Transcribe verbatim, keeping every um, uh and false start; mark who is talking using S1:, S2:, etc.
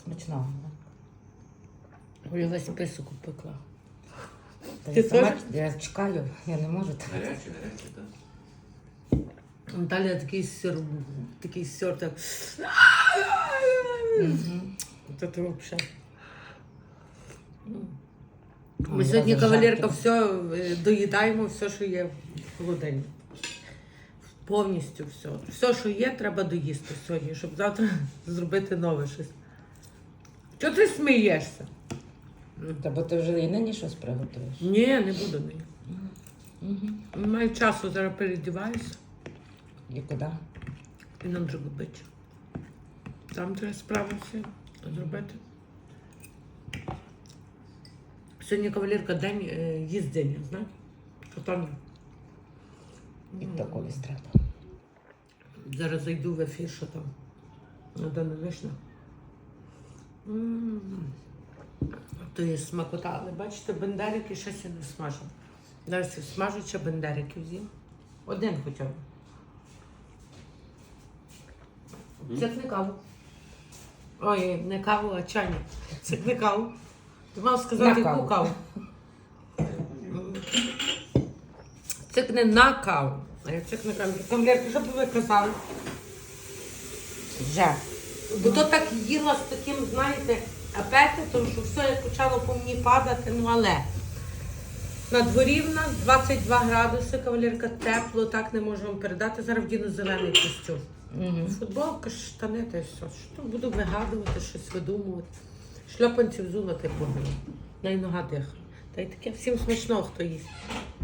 S1: Смачного.
S2: Я весь писок пекла.
S1: Та
S2: Ти
S1: я сама
S2: теж?
S1: я чекаю, я не можу так.
S3: Гаряче, гаряче, так.
S2: Наталя такий сир, такий сир, так.
S1: Мгм.
S2: Це ти взагалі.
S1: Ой,
S2: Ми сьогодні,
S1: я
S2: кавалерка,
S1: зажарки.
S2: все е, доїдаємо, все, що є в холодильнику. Повністю все. Все, що є, треба доїсти сьогодні, щоб завтра зробити нове щось. Чого ти смієшся?
S1: Та бо ти вже і нині щось приготуєш.
S2: Ні, не буду нині.
S1: Угу.
S2: Не маю часу, зараз передіваюся
S1: І куди?
S2: і на Дрогобич. Там треба справи всі зробити. Сьогодні, кавалерка, день е, їздення, знаєш? Катання.
S1: І то колись треба.
S2: Зараз зайду в ефір, що там. Надана вишня. М. То є смакота. Але бачите, бендерики щось я не смажу. Зараз я смажу, ще бендериків з'їм. Один хоча б. Це не каву. Ой, не каву, а чайник. Це не каву. Ти мав сказати,
S1: На
S2: яку
S1: каву.
S2: каву. Це не на каву. А я це не каву. Кавалерки, що б ви казали?
S1: Вже.
S2: Бо то так їла з таким, знаєте, апетитом, що все як почало по мені падати, ну але. На дворі в нас двадцять два градуси, кавалерка, тепло, так не можу вам передати. Зараз вдіну зелений костюм.
S1: Угу.
S2: Футболка, штани та й все. Що буду вигадувати, щось видумувати. Шльопанці взула ти погано. На й нога дихає. Та й таке всім смачного, хто їсть.